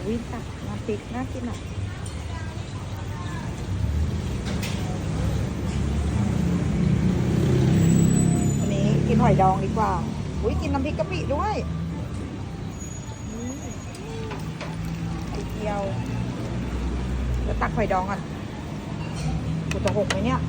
อุ้ยตักน้ำพริกน่ากินอ่ะวันนี้กินหอยดองดีกว่าอุ้ยกินน้ำพริกกะปิด้วยไข่เจียวแล้วตักหอยดองก่อนกูจะหกไหมเนี่ย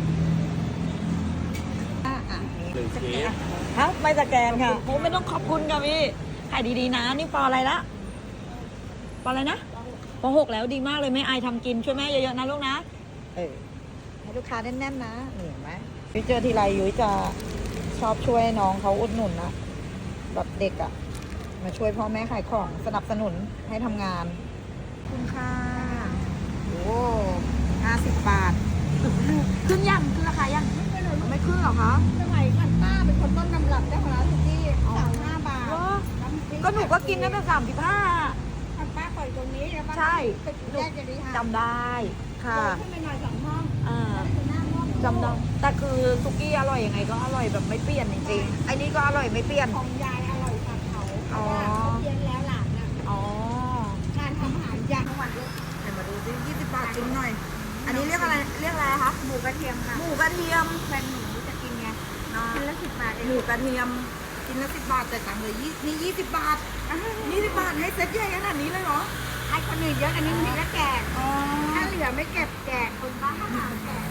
ฮะไม่สแกนค่ะผมไม่ต้องขอบคุณค่ะพี่ขายดีๆนะนี่ปออะไรละปออะไรนะปอ6แล้วดีมากเลยแม่อายทำกินช่วยแม่เยอะๆนะลูกนะให้ลูกค้าแน่นๆนะเห็นไหมยุ้ยเจอทีไรยุ้ยจะชอบช่วยน้องเขาอุดหนุนนะแบบเด็กอะมาช่วยพ่อแม่ขายของสนับสนุนให้ทำงานคุณค่ะโอ้50 บาทขึ้นยังขึ้นราคายังไม่ขึ้นหรอคะสมัยก่อนป้าเป็นคนต้นตำรับเจ้าของร้านสุกี้35 บาทก็หนูก็กินตั้งแต่35 ป้าปล่อยตรงนี้แล้วป้าใช่แยกจะดีค่ะจำได้ค่ะขึ้นไปหน่อย2 ห้องจำได้แต่คือสุกี้อร่อยยังไงก็อร่อยแบบไม่เปลี่ยนจริงๆไอ้นี่ก็อร่อยไม่เปลี่ยนของยายอร่อยกว่าเขาเพราะว่าเขาเพี้ยนแล้วหลานน่ะการทำอาหารยากทั้งวันเลยให้มาดูสิ20 บาทจิ้มหน่อยอันนี้เรียกอะไรคะหมูกระเทียมค่ะหมูกระเทียมแฟนหนูจะกินไงกินละ10 บาทหมูกระเทียมกินละ10 บาทแต่ตังค์เลยนี่20 บาท20 บาทให้เซ็ตใหญ่ขนาดนี้เลยเหรอให้คนอื่นเยอะอันนี้มีแล้วแจกถ้าเหลือไม่เก็บแจกคนบ้าแจก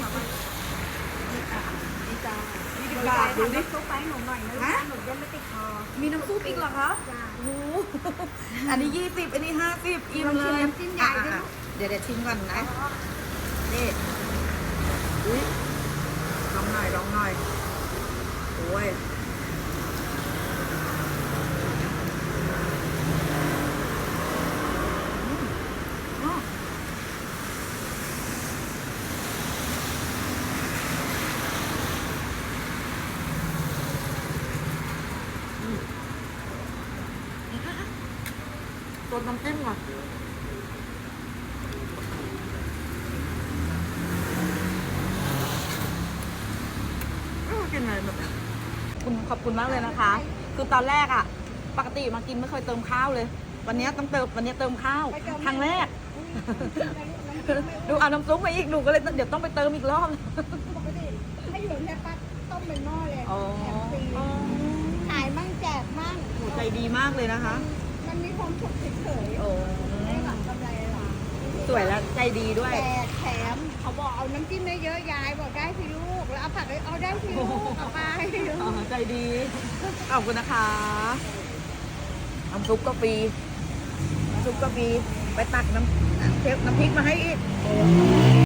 นี่จ้า20 บาทดูดิซุปไปหนูหน่อยนะหนูจะไม่ติดคอมีน้ำซุปอีกเหรอคะโอ้อันนี้20อันนี้50อิ่มเลยจิ้มใหญ่ด้วยเดี๋ยวชิมก่อนนะนี่อุ้ยลองหน่อยโอ้ยตัวน้ำจิ้มก่อนกินอะไรแบบขอบคุณมากเลยนะคะคือตอนแรกอ่ะปกติมากินไม่เคยเติมข้าวเลยวันนี้ต้องเติมวันนี้เติมข้าวครั้งแรกดูเอาน้ำซุปมาอีกหนูก็เลยเดี๋ยวต้องไปเติมอีกรอบปกติถ้าอยู่แค่ปั๊บต้มเป็นหม้อเลยแถมฟรีขายมั่งแจกมั่งใจดีมากเลยนะคะมันมีความสุขเฉยๆไม่หวังกำไรหรอกสวยแล้วใจดีด้วยแถมเขาบอกเอาน้ำจิ้มได้เยอะยายบอกได้สิลูกแล้วเอาผักเอาได้สิลูกเอาไปใจดีขอบคุณนะคะน้ำซุปก็ฟรีไปตักน้ำพริกมาให้อีก